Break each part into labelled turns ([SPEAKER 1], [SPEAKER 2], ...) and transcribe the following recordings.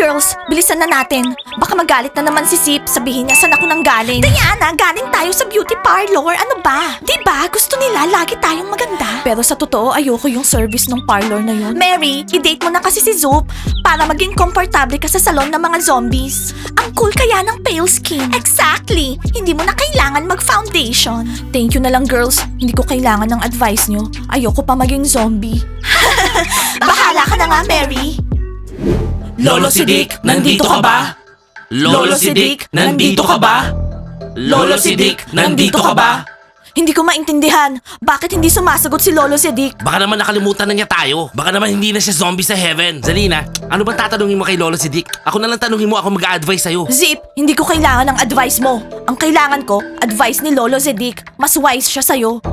[SPEAKER 1] Girls, bilisan na natin. Baka magalit na naman si Zip. Sabihin niya saan ako nang galing. Diana, galing tayo sa beauty parlor. Ano ba? Diba, gusto nila lagi tayong maganda. Pero sa totoo, ayoko yung service ng parlor na yun. Mary, i-date mo na kasi si Zoop para maging komportable ka sa salon ng mga zombies. Ang cool kaya ng pale skin. Exactly. Hindi mo na kailangan mag-foundation. Thank you na lang, girls. Hindi ko kailangan ng advice nyo. Ayoko pa maging zombie. Bahala ka na nga, Mary.
[SPEAKER 2] Lolo Sidik, nandito ka ba? Lolo Sidik, nandito ka ba? Lolo Sidik, nandito ka ba?
[SPEAKER 1] Hindi ko maintindihan. Bakit hindi sumasagot si Lolo Sidik?
[SPEAKER 2] Baka naman nakalimutan na niya tayo. Baka naman hindi na siya zombie sa heaven. Zalina, ano bang tatanungin mo kay Lolo Sidik? Ako na lang tanungin mo, ako mag-a-advise sa'yo.
[SPEAKER 1] Zip, hindi ko kailangan ng advice mo. Ang kailangan ko, advice ni Lolo Sidik. Mas wise siya sa'yo.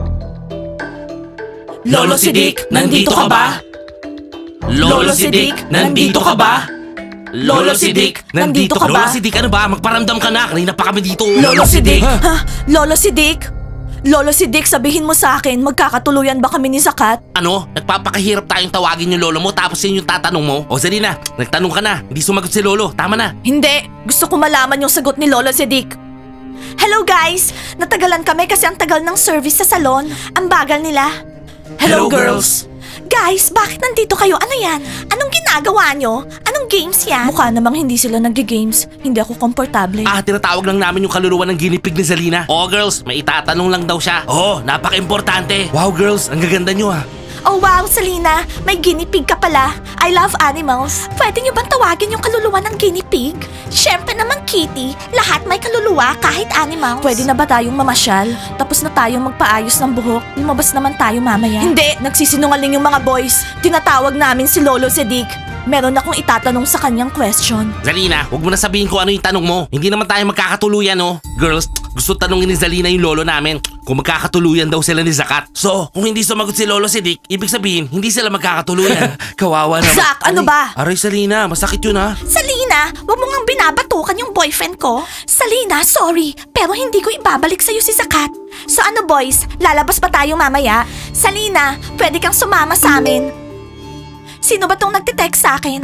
[SPEAKER 2] Lolo Sidik, nandito ka ba? Lolo Sidik, nandito ka ba? Lolo Sidik, nandito ka ba? Lolo Sidik, ano ba? Magparamdam ka na. Kanina pa kami dito.
[SPEAKER 1] Lolo Sidik? Ha? Lolo Sidik? Lolo Sidik, sabihin mo sa akin, magkakatuluyan ba kami ni Zakat?
[SPEAKER 2] Ano? Nagpapakahirap tayong tawagin yung lolo mo tapos yun yung tatanong mo? O Zalina, nagtanong ka na. Hindi sumagot si lolo. Tama na.
[SPEAKER 1] Hindi. Gusto ko malaman yung sagot ni Lolo Sidik. Hello guys! Natagalan kami kasi ang tagal ng service sa salon. Ang bagal nila.
[SPEAKER 2] Hello, girls.
[SPEAKER 1] Guys, bakit nandito kayo? Ano yan? Anong ginagawa nyo? Anong games yan? Mukha namang hindi sila nag-games. Hindi ako komportable.
[SPEAKER 2] Tinatawag lang namin yung kaluluwa ng ginipig ni Zalina. Oh girls, may itatanong lang daw siya. Oh, napaka-importante. Wow girls, ang gaganda nyo ah.
[SPEAKER 1] Oh wow, Selena, may guinea pig ka pala. I love animals. Pwede nyo bang tawagin yung kaluluwa ng guinea pig? Siyempre naman, Kitty. Lahat may kaluluwa kahit animals. Pwede na ba tayong mamasyal? Tapos na tayong magpaayos ng buhok? Lumabas naman tayo mamaya. Hindi, nagsisinungaling yung mga boys. Tinatawag namin si Lolo Sidik. Meron akong itatanong sa kanyang question.
[SPEAKER 2] Zalina, huwag mo na sabihin kung ano yung tanong mo. Hindi naman tayo magkakatuluyan, no? Girls, gusto tanongin ni Zalina yung lolo namin kung magkakatuluyan daw sila ni Zakat. So, kung hindi sumagot si Lolo Sidik, ibig sabihin, hindi sila magkakatuluyan. Kawawa naman.
[SPEAKER 1] Zak, ano ba?
[SPEAKER 2] Aray, Zalina, masakit yun ha.
[SPEAKER 1] Salina, wag mo ngang binabatukan yung boyfriend ko. Salina, sorry, pero hindi ko ibabalik sa'yo si Zakat. So ano boys, lalabas pa tayo mamaya? Salina, pwede kang sumama sa amin. Sino ba tong nagtitext sa akin?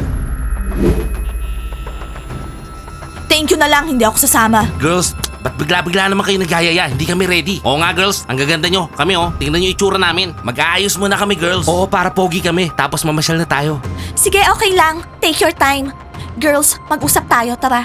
[SPEAKER 1] Thank you na lang, hindi ako sasama.
[SPEAKER 2] Girls, ba't bigla-bigla naman kayo nagyayaya? Hindi kami ready. Oo nga girls, ang gaganda nyo. Kami tingnan nyo yung itsura namin. Mag-aayos muna kami girls. Oo, para pogi kami. Tapos mamasyal na tayo.
[SPEAKER 1] Sige, okay lang. Take your time. Girls, mag-usap tayo, tara.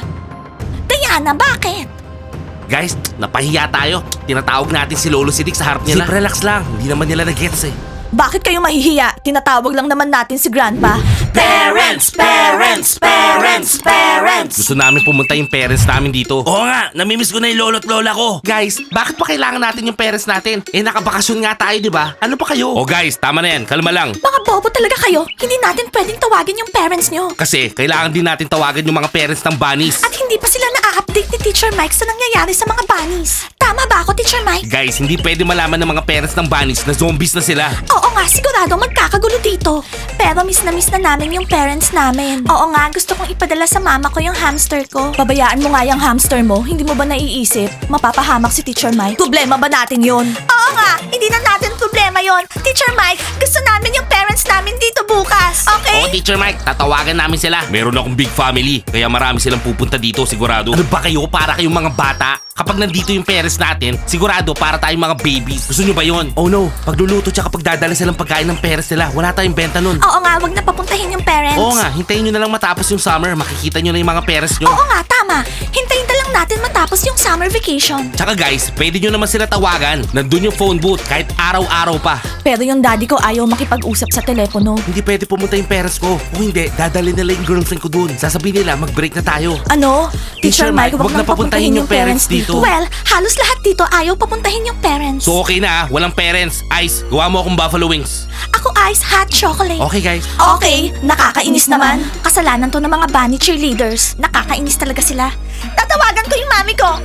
[SPEAKER 1] Diana, bakit?
[SPEAKER 2] Guys, napahiya tayo. Tinatawag natin si Lolo Sidik sa harap nila. Zip, relax lang. Hindi naman nila nag-gets eh.
[SPEAKER 1] Bakit kayo mahihiya? Tinatawag lang naman natin si Grandpa.
[SPEAKER 2] Parents! Parents! Parents! Parents! Gusto namin pumunta yung parents namin dito. Oo nga, namimiss ko na yung lolo at lola ko. Guys, bakit pa kailangan natin yung parents natin? Nakabakasyon nga tayo, di ba? Ano pa kayo? Oh guys, tama na yan. Kalma lang.
[SPEAKER 1] Mga bobo talaga kayo. Hindi natin pwedeng tawagin yung parents nyo.
[SPEAKER 2] Kasi kailangan din natin tawagan yung mga parents ng bunnies.
[SPEAKER 1] At hindi pa sila na-update ni Teacher Mike sa nangyayari sa mga bunnies. Tama ba ako, Teacher Mike?
[SPEAKER 2] Guys, hindi pwede malaman ng mga parents ng bunnies na zombies na sila.
[SPEAKER 1] Oo nga, sigurado magkakagulo dito. Pero miss na namin yung parents namin. Oo nga, gusto kong ipadala sa mama ko yung hamster ko. Babayaan mo nga yung hamster mo. Hindi mo ba naiisip? Mapapahamak si Teacher Mike. Problema ba natin yun? Oo nga, hindi na natin problema yon. Teacher Mike, gusto namin yung parents namin dito bukas. Okay?
[SPEAKER 2] Oo, Teacher Mike, tatawagan namin sila. Meron akong big family, kaya marami silang pupunta dito sigurado. Ano ba kayo? Para kayong mga bata? Kapag nandito yung parents natin, sigurado para tayong mga babies. Gusto nyo ba yun? Oh no, pagluluto tsaka pagdadala silang pagkain ng parents nila, wala tayong benta nun.
[SPEAKER 1] Oo nga, wag na papuntahin yung parents.
[SPEAKER 2] Oo nga, hintayin nyo na lang matapos yung summer, makikita nyo na yung mga parents nyo.
[SPEAKER 1] Oo nga, tama. Hintayin na lang natin matapos yung summer vacation.
[SPEAKER 2] Tsaka guys, pwede nyo naman sila tawagan. Nandun yung phone booth kahit araw-araw pa.
[SPEAKER 1] Pero yung daddy ko ayaw makipag-usap sa telepono.
[SPEAKER 2] Hindi pwede pumunta yung parents ko. Kung hindi, dadalhin nila yung girlfriend ko dun. Sasabihin nila, mag-break na tayo.
[SPEAKER 1] Ano?
[SPEAKER 2] Teacher Mike, wag na papuntahin yung parents dito.
[SPEAKER 1] Well, halos lahat dito ayaw papuntahin yung parents.
[SPEAKER 2] So okay na walang parents. Ice, gawa mo akong buffalo wings.
[SPEAKER 1] Ako ice hot chocolate.
[SPEAKER 2] Okay guys.
[SPEAKER 1] Okay, nakakainis naman. Kasalanan to ng mga bunny cheerleaders. Nakakainis talaga sila. Tatawagan ko yung mami ko.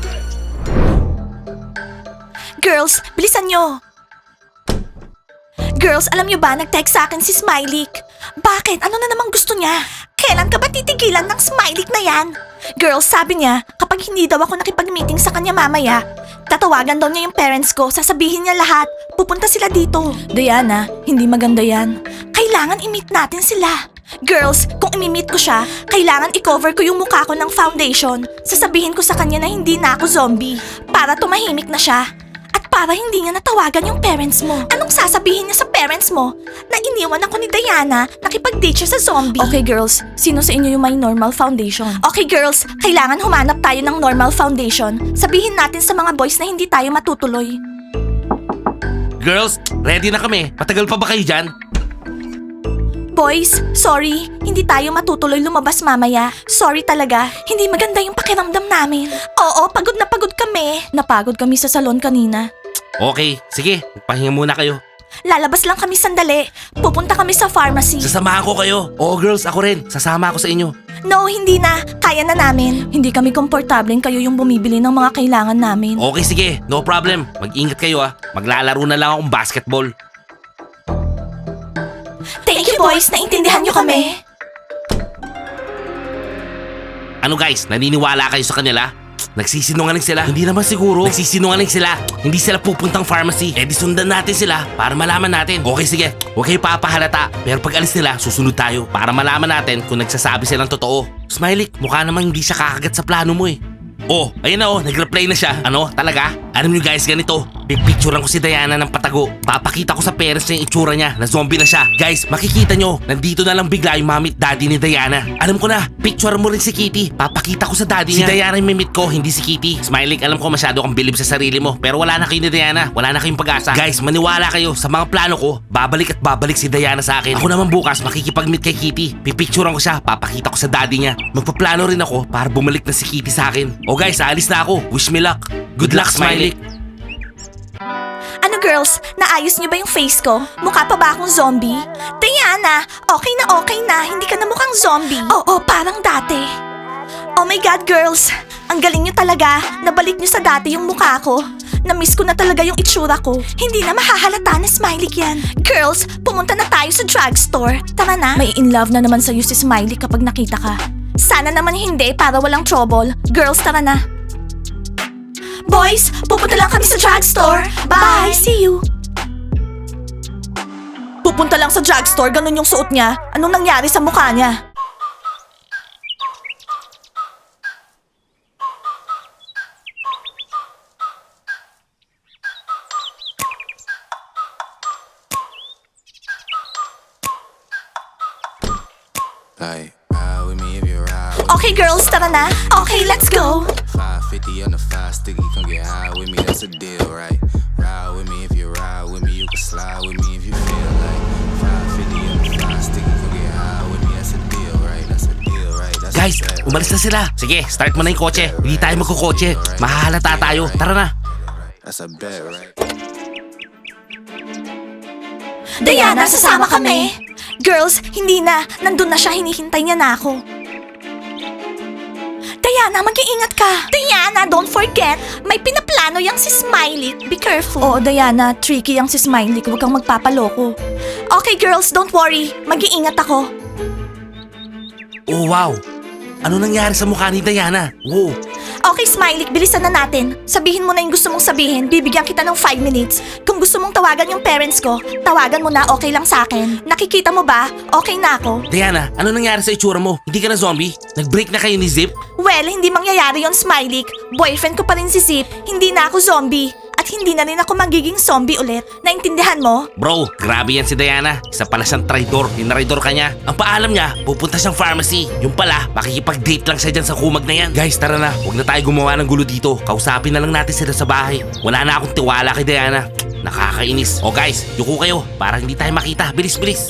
[SPEAKER 1] Girls, bilisan nyo. Girls, alam nyo ba, nag-text sa akin si Smiley. Bakit? Ano na naman gusto niya? Kailan ka ba titigilan ng Smiley na yan? Girls, sabi niya, kapag hindi daw ako nakipag-meeting sa kanya mamaya, tatawagan daw niya yung parents ko, sasabihin niya lahat. Pupunta sila dito. Diana, hindi maganda yan. Kailangan i-meet natin sila. Girls, kung imi-meet ko siya, kailangan i-cover ko yung mukha ko ng foundation. Sasabihin ko sa kanya na hindi na ako zombie. Para tumahimik na siya. At para hindi niya natawagan yung parents mo. Anong sasabihin niya sa parents mo? Na iniwan ako ni Diana, nakipag-date siya sa zombie. Okay girls, sino sa inyo yung may normal foundation? Okay girls, kailangan humanap tayo ng normal foundation. Sabihin natin sa mga boys na hindi tayo matutuloy.
[SPEAKER 2] Girls, ready na kami. Matagal pa ba kayo dyan?
[SPEAKER 1] Boys, sorry. Hindi tayo matutuloy lumabas mamaya. Sorry talaga. Hindi maganda yung pakiramdam namin. Oo, pagod na pagod kami. Napagod kami sa salon kanina.
[SPEAKER 2] Okay, sige. Pahinga muna kayo.
[SPEAKER 1] Lalabas lang kami sandali. Pupunta kami sa pharmacy.
[SPEAKER 2] Sasamahan ko kayo. Oo girls, ako rin. Sasama ako sa inyo.
[SPEAKER 1] No, hindi na. Kaya na namin. Hindi kami komportableng kayo yung bumibili ng mga kailangan namin.
[SPEAKER 2] Okay, sige. No problem. Mag-ingat kayo ah. Maglalaro na lang akong basketball.
[SPEAKER 1] Thank you boys, naintindihan nyo kami.
[SPEAKER 2] Ano guys, naniniwala kayo sa kanila? Nagsisinungaling sila? Hindi naman siguro. Nagsisinungaling sila. Hindi sila pupuntang pharmacy. Eh di sundan natin sila para malaman natin. Okay sige, huwag kayo papahalata. Pero pag alis nila, susunod tayo para malaman natin kung nagsasabi silang totoo. Smiley, mukha namang hindi siya kakagat sa plano mo eh. Oh, ayun na oh, nag-reply na siya. Ano, talaga? Alam nyo guys, ganito. Pipicturean ko si Diana ng patago. Papakita ko sa parents niya yung itsura niya na zombie na siya. Guys, makikita nyo, nandito na lang bigla yung mami at daddy ni Diana. Alam ko na, picture mo rin si Kitty. Papakita ko sa daddy niya. Si Diana yung mimit ko, hindi si Kitty. Smiley, alam ko masyado kang bilib sa sarili mo. Pero wala na kayo ni Diana. Wala na kayong pag-asa. Guys, maniwala kayo sa mga plano ko. Babalik at babalik si Diana sa akin. Ako naman bukas, makikipag-meet kay Kitty. Pipicturean ko siya, papakita ko sa daddy niya. Magpaplano rin ako para bumalik na si Kitty sa akin. O guys, aalis na ako. Wish me luck. Good luck, Smiley.
[SPEAKER 1] Ano girls, naayos niyo ba yung face ko? Mukha pa ba akong zombie? Diana, okay na, hindi ka na mukhang zombie. Oo, parang dati. Oh my God girls, ang galing niyo talaga. Nabalik niyo sa dati yung mukha ko. Na-miss ko na talaga yung itsura ko. Hindi na mahahalata na Smiley yan. Girls, pumunta na tayo sa drugstore. Tara na. May in love na naman sa'yo si Smiley kapag nakita ka. Sana naman hindi para walang trouble. Girls, tara na. Boys, pupunta lang kami sa drugstore. Bye! See you! Pupunta lang sa drugstore, ganun yung suot niya. Anong nangyari sa mukha niya?
[SPEAKER 3] Like, ride with me if you ride with
[SPEAKER 1] Okay girls, tara na. Okay, let's go.
[SPEAKER 3] 550 on the 5 sticky, come get high with me, that's a deal, right? Ride with me if you ride with me, you can slide with me if you feel like 550 on the 5 sticky, come get high with me, that's a deal, right? That's a deal, right? That's
[SPEAKER 2] Guys,
[SPEAKER 3] a bet,
[SPEAKER 2] umalis na sila. Sige, start mo na yung kotse. Hindi tayo magkukotse. Mahahalata tayo. Tara na.
[SPEAKER 3] That's a bet, right?
[SPEAKER 1] Diana, sasama kami. Girls, hindi na. Nandun na siya, hinihintay niya na ako. Diana, mag-iingat ka. Diana, don't forget, may pinaplano yang si Smiley. Be careful. Oo, Diana, tricky yang si Smiley. Huwag kang magpapaloko. Okay, girls, don't worry. Mag-iingat ako.
[SPEAKER 2] Oh wow. Ano nangyari sa mukha ni Diana? Wow.
[SPEAKER 1] Okay, Smiley, bilisan na natin. Sabihin mo na yung gusto mong sabihin. Bibigyan kita ng 5 minutes. Kung gusto mong tawagan yung parents ko, tawagan mo na, okay lang sa akin. Nakikita mo ba? Okay na ako.
[SPEAKER 2] Diana, ano nangyari sa itsura mo? Hindi ka na zombie? Nag-break na kayo ni Zip?
[SPEAKER 1] Well, hindi mangyayari yon, Smiley. Boyfriend ko pa rin si Zip. Hindi na ako zombie. At hindi na rin ako magiging zombie ulit. Naintindihan mo?
[SPEAKER 2] Bro, grabe yan si Diana. Isa pala siyang traidor. Tinaridor ka niya. Ang paalam niya, pupunta siyang pharmacy. Yung pala, makikipag-date lang siya dyan sa kumag na yan. Guys, tara na. Huwag na tayo gumawa ng gulo dito. Kausapin na lang natin sila sa bahay. Wala na akong tiwala kay Diana. Nakakainis. O guys, yuko kayo para hindi tayo makita. Bilis, bilis.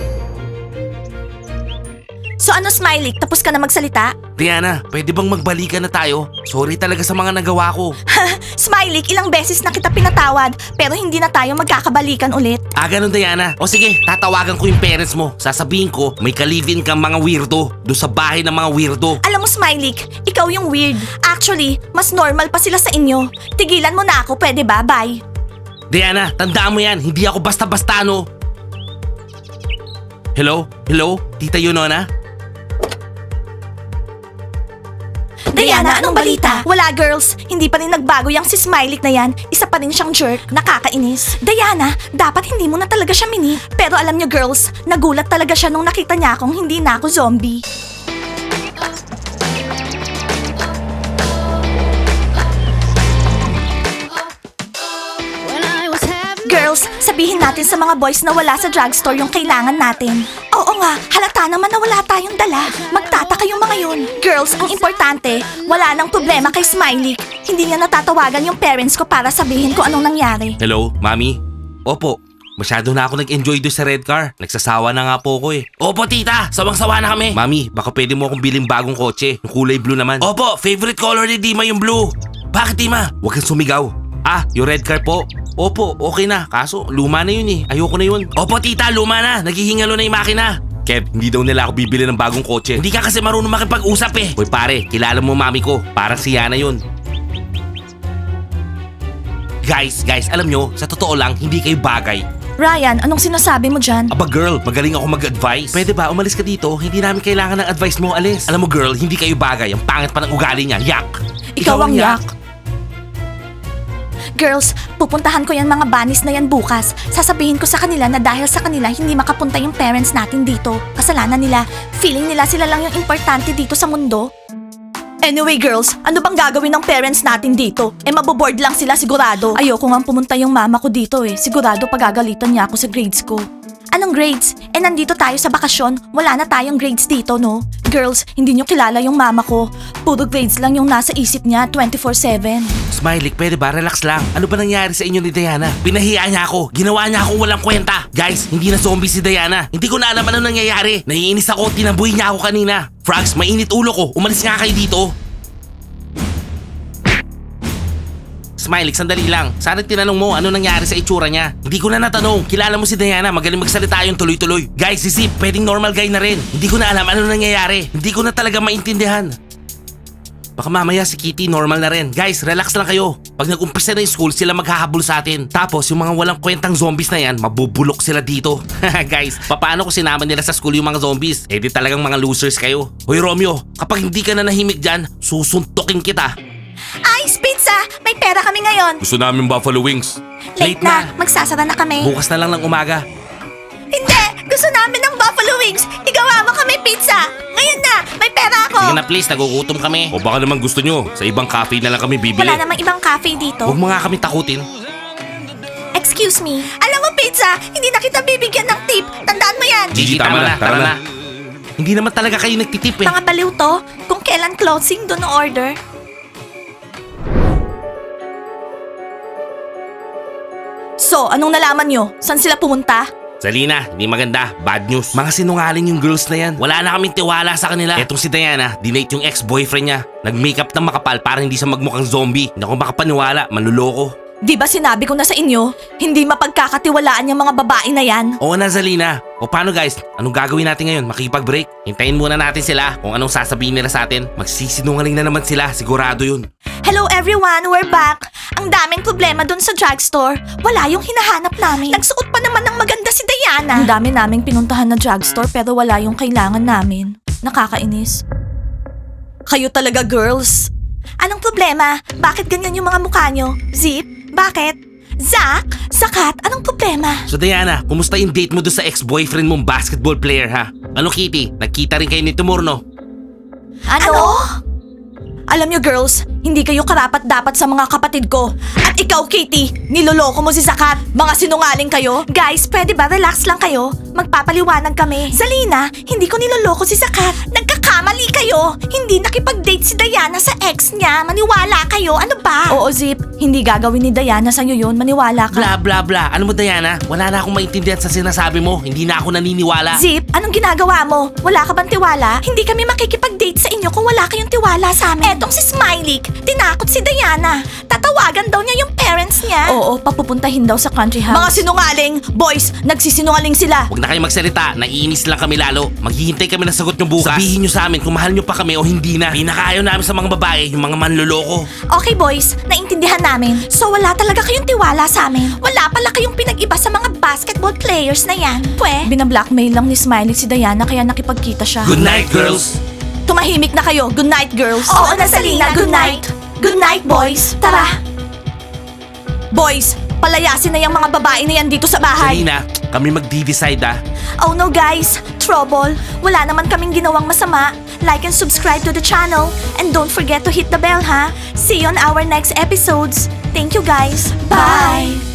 [SPEAKER 1] So ano, Smiley? Tapos ka na magsalita?
[SPEAKER 2] Diana, pwede bang magbalikan na tayo? Sorry talaga sa mga nagawa ko.
[SPEAKER 1] Smiley, ilang beses na kita pinatawad, pero hindi na tayo magkakabalikan ulit.
[SPEAKER 2] Ganun Diana. O sige, tatawagan ko yung parents mo. Sasabihin ko, may kalivin kang mga weirdo. Doon sa bahay ng mga weirdo.
[SPEAKER 1] Alam mo, Smiley, ikaw yung weird. Actually, mas normal pa sila sa inyo. Tigilan mo na ako, pwede ba? Bye.
[SPEAKER 2] Diana, tandaan mo yan. Hindi ako basta-basta, no? Hello? Hello? Tita Yunona?
[SPEAKER 1] Diana, Diana, anong balita? Wala girls, hindi pa rin nagbago yung si Smiley na yan. Isa pa rin siyang jerk, nakakainis. Diana, dapat hindi mo na talaga siya mini. Pero alam niyo girls, nagulat talaga siya nung nakita niya akong hindi na ako zombie.
[SPEAKER 4] When I was having
[SPEAKER 1] Girls, sabihin natin sa mga boys na wala sa drugstore yung kailangan natin. Oo nga, halata naman na wala tayong dala. Magtataka yung mga yun. Girls, ang importante, wala nang problema kay Smiley. Hindi niya natatawagan yung parents ko para sabihin ko anong nangyari.
[SPEAKER 2] Hello, Mami? Opo. Masyado na ako nag-enjoy doon sa red car. Nagsasawa na nga po ko eh. Opo, tita. Sawang-sawa na kami. Mami, baka pwede mo akong biling bagong kotse. Yung kulay blue naman. Opo, favorite color ni Dima yung blue. Bakit, Dima? Huwag kang sumigaw. Ah, yung red car po. Opo, okay na. Kaso, luma na yun eh. Ayoko na yun. Opo, tita. Luma na. Naghihingalo na yung makina. Kev, hindi daw nila ako bibili ng bagong kotse. Hindi ka kasi marunong makipag-usap eh. Hoy pare, kilala mo mami ko. Parang si Yana yun. Guys, alam nyo, sa totoo lang, hindi kayo bagay.
[SPEAKER 1] Ryan, anong sinasabi mo dyan?
[SPEAKER 2] Aba girl, magaling ako mag-advise. Pwede ba, umalis ka dito? Hindi namin kailangan ng advice mo, alis. Alam mo girl, hindi kayo bagay. Ang pangit pa ng ugali niya. Yak!
[SPEAKER 1] Ikaw ang yak. Girls, pupuntahan ko yan mga banis na yan bukas. Sasabihin ko sa kanila na dahil sa kanila hindi makapunta yung parents natin dito. Kasalanan nila. Feeling nila sila lang yung importante dito sa mundo. Anyway girls, ano bang gagawin ng parents natin dito? Maboboard lang sila sigurado. Ayoko nga pumunta yung mama ko dito eh. Sigurado pagagalitan niya ako sa grades ko. Anong grades? Nandito tayo sa bakasyon. Wala na tayong grades dito, no? Girls, hindi nyo kilala yung mama ko. Puro grades lang yung nasa isip niya 24/7.
[SPEAKER 2] Smiley, pwede ba? Relax lang. Ano ba nangyari sa inyo ni Diana? Pinahiya niya ako. Ginawa niya akong walang kwenta. Guys, hindi na zombie si Diana. Hindi ko na alam ano nangyayari. Naiinis ako. Tinambuhin niya ako kanina. Frogs, mainit ulo ko. Umalis nga kayo dito. Smiley, sandali lang. Sana tinanong mo ano nangyari sa itsura niya. Hindi ko na natanong. Kilala mo si Diana. Magaling magsalita yung tuloy-tuloy. Guys, si Zip, pwedeng normal guy na rin. Hindi ko na alam ano nangyayari. Hindi ko na talaga maintindihan. Baka mamaya si Kitty normal na rin. Guys, relax lang kayo. Pag nag-umpisa na yung school, sila maghahabol sa atin. Tapos yung mga walang kwentang zombies na yan, mabubulok sila dito. Guys, paano ko sinama nila sa school yung mga zombies? Eh di talagang mga losers kayo. Hoy Romeo, kapag hindi ka na nahimik dyan, susuntukin kita.
[SPEAKER 1] Ice pizza! May pera kami ngayon.
[SPEAKER 2] Gusto namin buffalo wings.
[SPEAKER 1] Late na. Magsasara na kami.
[SPEAKER 2] Bukas na lang ng umaga.
[SPEAKER 1] Hindi! Gusto namin ng buffalo wings! Igawa mo kami pizza! Ngayon na! May pera ako!
[SPEAKER 2] Sige na please, nagugutom kami. O baka naman gusto nyo, sa ibang cafe na lang kami bibili.
[SPEAKER 1] Wala namang ibang cafe dito.
[SPEAKER 2] Huwag mo nga kami takutin.
[SPEAKER 1] Excuse me. Alam mo pizza, hindi na kita bibigyan ng tip. Tandaan mo yan.
[SPEAKER 2] Gigi, tama na, tara na. Hindi naman talaga kayo nagtitip eh.
[SPEAKER 1] Mga baliw to. Kung kailan closing, doon order. So, anong nalaman nyo? Saan sila pumunta?
[SPEAKER 2] Zalina, hindi maganda. Bad news. Mga sinungaling yung girls na yan. Wala na kaming tiwala sa kanila. Etong si Diana, dinate yung ex-boyfriend niya. Nag-makeup ng makapal para hindi siya magmukhang zombie. Hindi ako makapaniwala, manluloko.
[SPEAKER 1] Di ba sinabi ko na sa inyo, hindi mapagkakatiwalaan yung mga babae na yan?
[SPEAKER 2] Oo na Zalina. O paano guys? Anong gagawin natin ngayon? Makikipag-break? Hintayin muna natin sila kung anong sasabihin nila sa atin. Magsisinungaling na naman sila, sigurado yun.
[SPEAKER 1] Hello everyone, we're back! Ang daming problema dun sa drugstore. Wala yung hinahanap namin. Nagsuot pa naman ng maganda si Diana. Ang dami naming pinuntahan na drugstore pero wala yung kailangan namin. Nakakainis. Kayo talaga girls. Anong problema? Bakit ganyan yung mga mukha nyo? Zip? Bakit? Zack? Sakat? Anong problema?
[SPEAKER 2] So Diana, kumusta yung date mo doon sa ex-boyfriend mong basketball player ha? Ano Kitty? Nagkita rin kayo ni Timur no?
[SPEAKER 1] Ano? Alam nyo girls, hindi kayo karapat dapat sa mga kapatid ko. At ikaw Katie, niloloko mo si Sakat. Mga sinungaling kayo. Guys, pwede ba relax lang kayo? Magpapaliwanag kami. Zalina, hindi ko niloloko si Sakat. Nagkakamali kayo. Hindi nakipag-date si Diana sa ex niya. Maniwala kayo, ano ba? Oo Zip, hindi gagawin ni Diana sa'yo yun. Maniwala ka.
[SPEAKER 2] Bla bla bla. Ano mo Diana? Wala na akong maintindihan sa sinasabi mo. Hindi na ako naniniwala.
[SPEAKER 1] Zip, anong ginagawa mo? Wala ka bang tiwala? Hindi kami makikipag-date sa inyo kung wala kayong tiwala sa amin. Etong si Smiley, tinakot si Diana. Tatawagan daw niya yung parents niya. Oo, papupuntahin daw sa country house. Mga sinungaling! Boys, nagsisinungaling sila.
[SPEAKER 2] Huwag na kayo magsalita. Naiinis lang kami lalo. Maghihintay kami ng sagot nyo bukas. Sabihin nyo sa amin kung mahal nyo pa kami o hindi na. Pinakaayaw namin sa mga babae, yung mga manloloko.
[SPEAKER 1] Okay boys, naintindihan namin. So wala talaga kayong tiwala sa amin. Wala pala kayong pinag-iba sa mga basketball players na yan. Binablickmail lang ni Smiley si Diana kaya nakipagkita siya.
[SPEAKER 2] Good night, girls!
[SPEAKER 1] tumahimik na kayo. Good night, girls. Oo na, Salina. Good night. Good night, boys. Tara. Boys, palayasin na yung mga babae na yan dito sa bahay.
[SPEAKER 2] Salina, kami mag-decide ah.
[SPEAKER 1] Oh no guys, trouble. Wala naman kaming ginawang masama. Like and subscribe to the channel. And don't forget to hit the bell, ha? See you on our next episodes. Thank you guys. Bye!